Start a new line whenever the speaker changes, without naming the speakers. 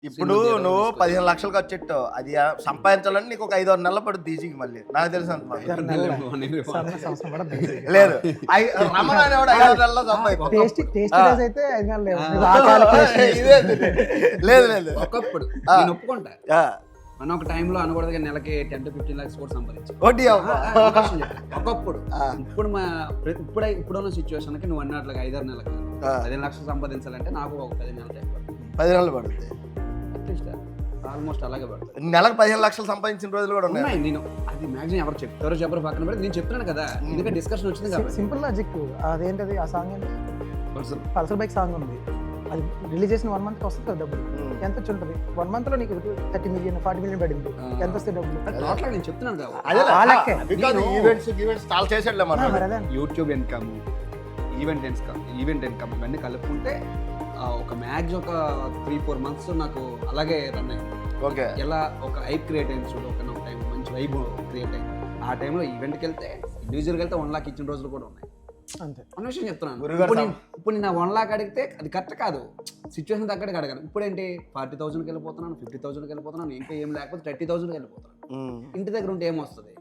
ఇప్పుడు నువ్వు 15 లక్షలు ఖర్చు పెట్టావు, అది సంపాదించాలని నీకు ఒక 5-6 నెలలు పడుతుంది ఈజీగా. మళ్ళీ నాకు తెలిసి అంత లేదు, రమణ అనేవాడు 5-6 నెలల్లో లేదు లేదు.
ఒకప్పుడు నేను ఒప్పుకుంటా, మనం ఒక టైంలో అనకూడదు కానీ నెలకి 10 to 15 lakhs కూడా సంపాదించు ఒకప్పుడు. ఇప్పుడున్న సిచ్యువేషన్ కి నువ్వు అన్నట్లుగా 5-6 నెలలకు 15 లక్షలు సంపాదించాలంటే నాకు ఒక 10 నెలలు టైం పడుతుంది.
10 నెలలు పడుతుంది
అట్లీస్ట్, ఆల్మోస్ట్ అలాగే పడుతుంది.
నెలకు 15 లక్షలు సంపాదించిన రోజులు కూడా ఉన్నాయి.
నేను అది మ్యాక్సిమం ఎవరు చెప్తారో చెప్పరు పక్కన పెట్టి నేను చెప్తున్నాను కదా, ఎందుకంటే డిస్కషన్ వచ్చింది కాబట్టి.
సింపుల్ లాజిక్ అదేంటది, ఆ సాంగ్ ఏంటి, పల్సర్ బైక్ సాంగ్ ఉంది, అది రిలీజ్ చేసిన 1 month వస్తుంది కదా డబ్బులు, ఎంత వచ్చి ఉంటుంది? 1 month లో నీకు 30 million 40 million పడింది, ఎంత వస్తాయి డబ్బులు?
టోటల్ నేను చెప్తున్నాను కదా,
ఈవెంట్స్ చాలా చేసాడులే మనం.
యూట్యూబ్ ఇన్కమ్, ఈవెంట్ ఇన్కమ్ ఇవన్నీ కలుపుకుంటే ఒక మ్యాక్స్ ఒక 3-4 months నాకు అలాగే రన్ అయింది.
ఓకే,
ఎలా ఒక హైప్ క్రియేట్ అయింది చూడు, ఒక టైం మంచి వైబ్ క్రియేట్ అయింది. ఆ టైంలో ఈవెంట్కి వెళ్తే, ఇండివిజువల్కి వెళ్తే 1 lakh ఇచ్చిన రోజులు కూడా ఉన్నాయి.
అంతే,
అన్న విషయం చెప్తున్నాను. ఇప్పుడు నేను 1 lakh అడిగితే అది కరెక్ట్ కాదు, సిచ్యువేషన్ తగ్గట్టుగా అడగాను. ఇప్పుడు ఏంటి 40,000కి వెళ్ళిపోతున్నాను, 50,000కి వెళ్ళిపోతున్నాను, ఇంకా ఏం లేకపోతే 30,000కి వెళ్ళిపోతున్నాను. ఇంటి దగ్గర ఉంటే ఏమొస్తుంది?